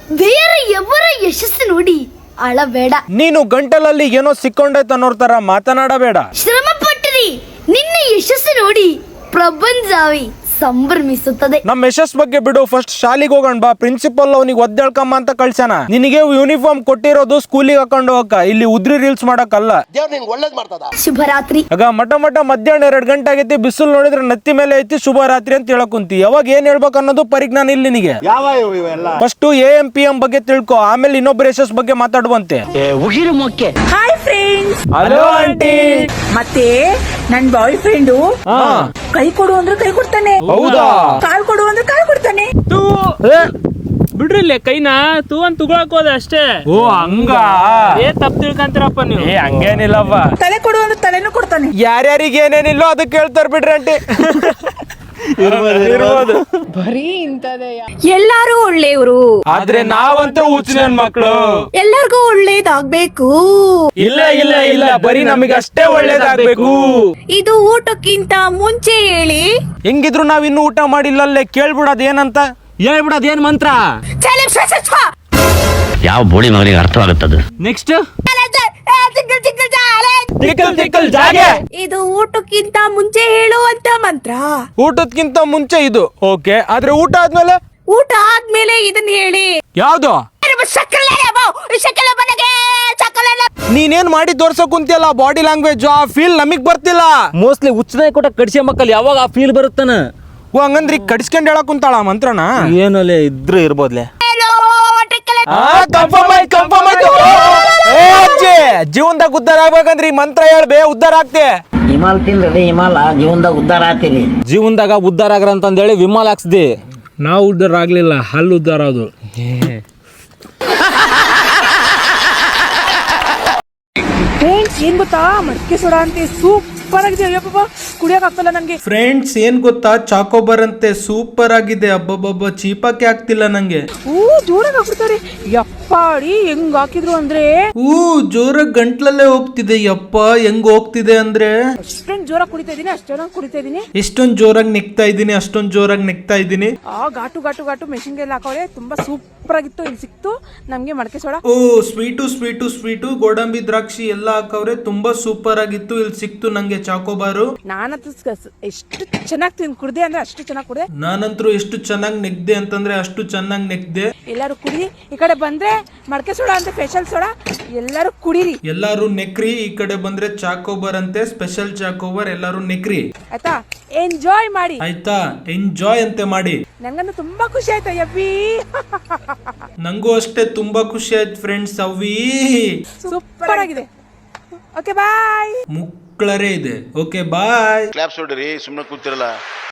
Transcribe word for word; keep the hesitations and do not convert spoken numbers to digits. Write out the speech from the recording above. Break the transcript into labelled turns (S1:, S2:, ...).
S1: ಬೇರೆ ఎవರ ಯಶಸ್ಸು ನೋಡಿ ಅಳಬೇಡ.
S2: ನೀನು ಗಂಟಲಲ್ಲಿ ಏನೋ ಸಿಕ್ಕೊಂಡೈತೆ ಅನ್ನೋರ್ ತರ ಮಾತನಾಡಬೇಡ.
S1: ಶ್ರಮ ಪಟ್ಟಿರಿ, ನಿನ್ನ ಯಶಸ್ಸು ನೋಡಿ ಪ್ರಪಂಚವೇ ಸಂಭ್ರಮಿಸುತ್ತದೆ.
S2: ನಮ್ ಯಶಸ್ ಬಗ್ಗೆ ಬಿಡು, ಫಸ್ಟ್ ಶಾಲಿಗೆ ಹೋಗೋಣ ಬಾ. ಪ್ರಿನ್ಸಿಪಲ್ ಅವನಿಗೆ ಒದ್ದೇಳ್ಕಮ್ಮ ಅಂತ ಕಳ್ಸ್ಯಾನ. ನಿನಗೆ ಯೂನಿಫಾರ್ಮ್ ಕೊಟ್ಟಿರೋದು ಸ್ಕೂಲಿಗೆ ಹಾಕೊಂಡು ಹೋಗಕ್ಕ, ಇಲ್ಲಿ ಉದ್ರಿ ರೀಲ್ಸ್ ಮಾಡಕ್ಕಲ್ಲ.
S1: ಶುಭರಾತ್ರಿ.
S2: ಆಗ ಮಠ ಮಠ ಮಧ್ಯಾಹ್ನ ಎರಡ್ ಗಂಟೆ ಆಗೈತಿ, ಬಿಸಿಲು ನೋಡಿದ್ರೆ ನತ್ತಿ ಮೇಲೆ ಐತಿ, ಶುಭ ರಾತ್ರಿ ಅಂತ ಹೇಳಕ್ ಕುಂತಿ. ಯಾವಾಗ ಏನ್ ಹೇಳ್ಬೇಕು ಅನ್ನೋದು ಪರಿಜ್ಞಾನ ಇಲ್ಲಿ ನಿನಗೆ. First A M P M ಬಗ್ಗೆ ತಿಳ್ಕೊ, ಆಮೇಲೆ ಇನ್ನೊಬ್ಬರ ಯಶಸ್ ಬಗ್ಗೆ ಮಾತಾಡುವಂತೆ.
S3: Hi friends.
S2: Hello aunty.
S3: ಮತ್ತೆ ನನ್ ಬಾಯ್ ಫ್ರೆಂಡು ಕೈ ಕೊಡು ಅಂದ್ರೆ ಕೈ ಕೊಡ್ತಾನೆ,
S2: ಹೌದಾ?
S3: ಕಾಲ್ ಕೊಡು ಅಂದ್ರೆ ಕಾಲ್ ಕೊಡ್ತಾನೆ.
S4: ತೂ ಬಿಡ್ರಿಲ್ಲ ಕೈನಾ ತೂ ಅಂತ ತುಗೊಳಕ್ ಹೋದ ಅಷ್ಟೇ.
S2: ಓ ಹಂಗ
S4: ಏ ತಪ್ಪು ತಿಳ್ಕಂತೀರಪ್ಪ ನೀವು.
S2: ಏ ಹಂಗೇನಿಲ್ಲವ್ವ,
S3: ತಲೆ ಕೊಡು ಅಂದ್ರೆ ತಲೆನೂ ಕೊಡ್ತಾನೆ.
S2: ಯಾರ್ಯಾರಿಗೆ ಏನೇನಿಲ್ಲೋ ಅದಕ್ಕೆ ಹೇಳ್ತಾರ ಬಿಡ್ರಿ ಆಂಟಿ. ಇರ್ಬೋದು.
S3: ಎಲ್ಲಾರು ಒಳ್ಳೆಯವರು,
S2: ಆದ್ರೆ ನಾವಂತೂ ಹುಚ್ಚಿನ ಮಕ್ಕಳು.
S3: ಎಲ್ಲರಿಗೂ ಒಳ್ಳೇದಾಗ್ಬೇಕು.
S2: ಇಲ್ಲ ಇಲ್ಲ ಇಲ್ಲ, ಬರೀ ನಮಗೆ ಅಷ್ಟೇ ಒಳ್ಳೇದಾಗ್ಬೇಕು.
S3: ಇದು ಊಟಕ್ಕಿಂತ ಮುಂಚೆ ಹೇಳಿ.
S2: ಹೆಂಗಿದ್ರು ನಾವ್ ಇನ್ನು ಊಟ ಮಾಡಿಲ್ಲಲ್ಲೇ, ಕೇಳ್ಬಿಡೋದ್ ಏನಂತ.
S4: ಹೇಳ್ಬಿಡೋದ್ ಏನ್ ಮಂತ್ರ.
S5: ಯಾವ ಬೋಳಿ ಮಗನಿಗೆ ಅರ್ಥವಾಗುತ್ತದು.
S4: ನೆಕ್ಸ್ಟ್
S3: ಇದು ಊಟಕ್ಕಿಂತ ಮುಂಚೆ ಹೇಳುವಂತ ಮಂತ್ರ.
S2: ಊಟದ್ಕಿಂತ ಮುಂಚೆ ಇದು ಓಕೆ, ಆದ್ರೆ ಊಟ ಆದ್ಮೇಲೆ
S3: ಊಟ ಆದ್ಮೇಲೆ ಇದನ್ನ ಹೇಳಿ.
S2: ಯಾವ್ದು? ನೀನೇನ್ ಮಾಡಿ ತೋರ್ಸಕ್ ಕುಂತಿಯಲ್ಲ, ಬಾಡಿ ಲ್ಯಾಂಗ್ವೇಜ್ ಆ ಫೀಲ್ ನಮಗ್ ಬರ್ತಿಲ್ಲ.
S4: ಮೋಸ್ಟ್ಲಿ ಹುಚ್ಚನಾಗಿ ಕೊಟ್ಟ ಕಡಿಸಿ ಮಕ್ಕಳು ಯಾವಾಗ ಆ ಫೀಲ್ ಬರುತ್ತಾನ.
S2: ಓ ಹಂಗಂದ್ರಿ ಕಡಿಸ್ಕೊಂಡ್ ಹೇಳಕ್ ಕುಂತಾಳ ಮಂತ್ರನ.
S4: ಏನಲ್ಲೇ ಇದ್ರು ಇರ್ಬೋದ್ಲೆ.
S2: ಜೀವನದಾಗ ಉದ್ದಾರ ಆಗ್ಬೇಕಂದ್ರಿ ಮಂತ್ರ ಹೇಳ್ಬೇ, ಉದ್ದಾರ ಆಗ್ತೆ.
S5: ಹಿಮಾಲ್ ತಿಂದ್ರಿ ಹಿಮಾಲ ಜೀವನದಾಗ ಉದ್ದಾರ ಆಗ್ತೀರಿ.
S4: ಜೀವನದಾಗ ಉದ್ದಾರ ಆಗ್ರ ಅಂತಂದೇಳಿ ವಿಮಾಲ್ ಹಾಕ್ಸ್ದಿ. ನಾವು ಉದ್ದಾರ ಆಗ್ಲಿಲ್ಲ, ಹಲ್ಲು ಉದ್ದಾರ ಅದು.
S3: ಫ್ರೆಂಡ್ಸ್ ಏನ್ ಗೊತ್ತಾ, ಮಡಿಕೆ ಸೋಡಾ ಅಂತ ಸೂಪರ್ ಆಗಿದೆ. ಅಯ್ಯಪ್ಪ ಕುಡಿಯಕ್ ಆಗ್ತಲ್ಲ ನಂಗೆ.
S2: ಫ್ರೆಂಡ್ಸ್ ಏನ್ ಗೊತ್ತಾ, ಚಾಕೋಬಾರ್ ಅಂತೆ ಸೂಪರ್ ಆಗಿದೆ. ಅಬ್ಬಬ್ಬಬ್ಬ ಚೀಪಕ್ಕೆ ಆಗ್ತಿಲ್ಲ ನಂಗೆ.
S3: ಊ ಜೋರಾಗಿ ಹಾಕ್ಬಿಡ್ತಾರೆ. ಯಪ್ಪಾಡಿ ಹೆಂಗ್ ಹಾಕಿದ್ರು ಅಂದ್ರೆ
S2: ಊ ಜೋರಾಗಿ ಗಂಟ್ಲಲ್ಲೇ ಹೋಗ್ತಿದೆ. ಯಪ್ಪ ಹೆಂಗ್ ಹೋಗ್ತಿದೆ ಅಂದ್ರೆ,
S3: ಫ್ರೆಂಡ್ ಜೋರಾಗಿ ಕುಡಿತಾ ಇದೀನಿ, ಅಷ್ಟು ಜೋರಾಗಿ ಕುಡಿತಾ ಇದೀನಿ.
S2: ಎಷ್ಟೊಂದ್ ಜೋರಾಗಿ ನೆಕ್ತಾ ಇದೀನಿ, ಅಷ್ಟೊಂದ್ ಜೋರಾಗಿ ನೆಕ್ತಾ ಇದೀನಿ.
S3: ಆ ಘಾಟು ಘಾಟು ಘಾಟು ಮೆಷಿನ್ಗೆ ಎಲ್ಲ ಹಾಕೋಳೆ. ತುಂಬಾ ಸೂಪರ್ ಆಗಿತ್ತು. ಇಲ್ಲಿ ಸಿಕ್ತು ನಮ್ಗೆ ಮಡಿಕೆ ಸೋಡಾ.
S2: ಓ ಸ್ವೀಟು ಸ್ವೀಟು ಸ್ವೀಟು ಗೋಡಂಬಿ ದ್ರಾಕ್ಷಿ ಎಲ್ಲ ಹಾಕವ್ರೆ, ತುಂಬಾ ಸೂಪರ್ ಆಗಿತ್ತು. ಇಲ್ಲಿ ಸಿಕ್ತು ನಂಗೆ ಚಾಕೋಬಾರು.
S3: ನಾನಂತೂ ಎಷ್ಟು ಚೆನ್ನಾಗಿ ತಿಂದು ಕುಡ್ದೆ ಅಂದ್ರೆ ಅಷ್ಟು ಚೆನ್ನಾಗಿ ಕುಡ್ದೆ.
S2: ನಾನಂತರೂ ಎಷ್ಟು ಚೆನ್ನಾಗಿ ನೆಗ್ದೆ ಅಂತಂದ್ರೆ ಅಷ್ಟು ಚೆನ್ನಾಗಿ ನೆಗ್ದೆ.
S3: ಎಲ್ಲಾರು ಕುಡಿ, ಈ ಕಡೆ ಬಂದ್ರೆ ಮಡಿಕೆ ಸೋಡಾ ಅಂತ ಸ್ಪೆಷಲ್ ಸೋಡಾ, ಎಲ್ಲಾರು ಕುಡೀರಿ.
S2: ಎಲ್ಲಾರು ನೆಕ್ರಿ. ಈ ಕಡೆ ಬಂದ್ರೆ ಚಾಕೋಬಾರ್ ಅಂತೆ ಸ್ಪೆಷಲ್ ಚಾಕೋಬಾರ್, ಎಲ್ಲಾರು ನೆಕ್ರಿ
S3: ಆಯ್ತಾ. ಎಂಜಾಯ್ ಮಾಡಿ
S2: ಆಯ್ತಾ, ಎಂಜಾಯ್ ಅಂತೆ ಮಾಡಿ.
S3: ನಂಗಂತೂ ತುಂಬಾ ಖುಷಿ ಆಯ್ತಾ ಯಬ್ಬಿ.
S2: ನಂಗೂ ಅಷ್ಟೇ ತುಂಬಾ ಖುಷಿ ಆಯ್ತು ಫ್ರೆಂಡ್ಸ್. ಅವಿ
S3: ಸೂಪರ್ ಆಗಿದೆ. Okay bye.
S2: ಮುಕ್ಳರೇ ಇದೆ. Okay bye.
S6: ಕ್ಲಾಪ್ಸ್ ಹೊಡ್ರಿ, ಸುಮ್ಮನೆ ಕೂತಿರಲ್ಲ.